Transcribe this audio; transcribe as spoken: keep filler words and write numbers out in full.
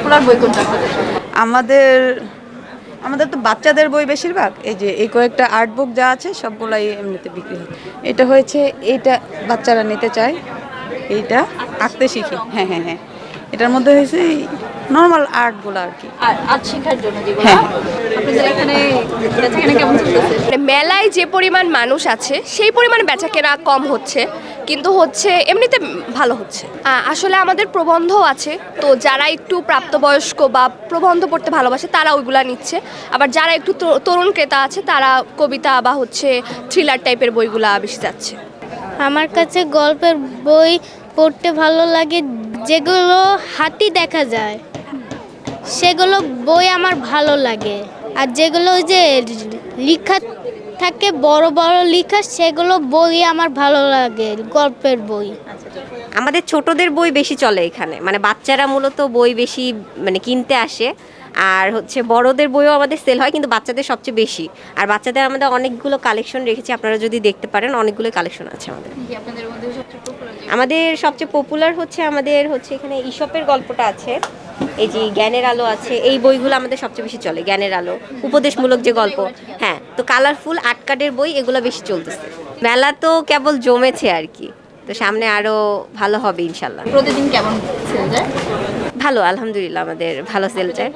Popular বই কোনটা আপনাদের? আমাদের আমাদের তো বাচ্চাদের বই বেশিরভাগ, এই যে এই কয়েকটা আর্ট বুক যা আছে সবগুলাই এমনিতে বিক্রি হয়। এটা হয়েছে, এইটা বাচ্চারা নিতে চায়, এইটা আঁকতে শিখি। হ্যাঁ হ্যাঁ হ্যাঁ, এটার মধ্যে হয়েছে নর্মাল আর্টগুলো আর কি। আর আর্ট শেখার জন্য যেগুলো হ্যাঁ। আপনাদের এখানে বেচাকেনা কেমন চলতেছে? মানে মেলায় যে পরিমাণ মানুষ আছে সেই পরিমাণ বেচাকেনা কম হচ্ছে, কিন্তু হচ্ছে এমনিতে ভালো হচ্ছে। আ- আসলে আমাদের প্রবন্ধ আছে, তো যারা একটু প্রাপ্তবয়স্ক বা প্রবন্ধ পড়তে ভালোবাসে তারা ওইগুলা নিচ্ছে, আবার যারা একটু তো- তরুণ ক্রেতা আছে তারা কবিতা বা হচ্ছে থ্রিলার টাইপের বইগুলা বেশি যাচ্ছে। আমার কাছে গল্পের বই পড়তে ভালো লাগে, যেগুলো হাতি দেখা যায় সেগুলো বই আমার ভালো লাগে। আর যেগুলো ওই যে লেখা থাকে বড় বড় লেখা, সেগুলো বই আমার ভালো লাগে, গল্পের বই। আমাদের ছোটদের বই বেশি চলে এখানে, মানে বাচ্চারা মূলত বই বেশি মানে কিনতে আসে। আর হচ্ছে বড়দের বইও আমাদের সেল হয়, কিন্তু বাচ্চাদের সবচেয়ে বেশি। আর বাচ্চাদের আমাদের অনেকগুলো কালেকশন রেখেছি, আপনারা যদি দেখতে পারেন অনেকগুলো কালেকশন আছে আমাদের। কি আপনাদের মধ্যে সবচেয়ে পপুলার? আমাদের সবচেয়ে পপুলার হচ্ছে আমাদের হচ্ছে এখানে ঈশপের গল্পটা আছে, এই যে জ্ঞানের আলো আছে, এই বইগুলো আমাদের সবচেয়ে বেশি চলে। জ্ঞানের আলো, উপদেশমূলক যে গল্প, হ্যাঁ। তো কালারফুল আর্ট কার্ডের বই এগুলো বেশি চলতেছে। মেলা তো কেবল জমেছে আর কি, তো সামনে আরো ভালো হবে ইনশাল্লাহ। প্রতিদিন কেমন সেল যায়? ভালো, আলহামদুলিল্লাহ আমাদের ভালো সেল যায়।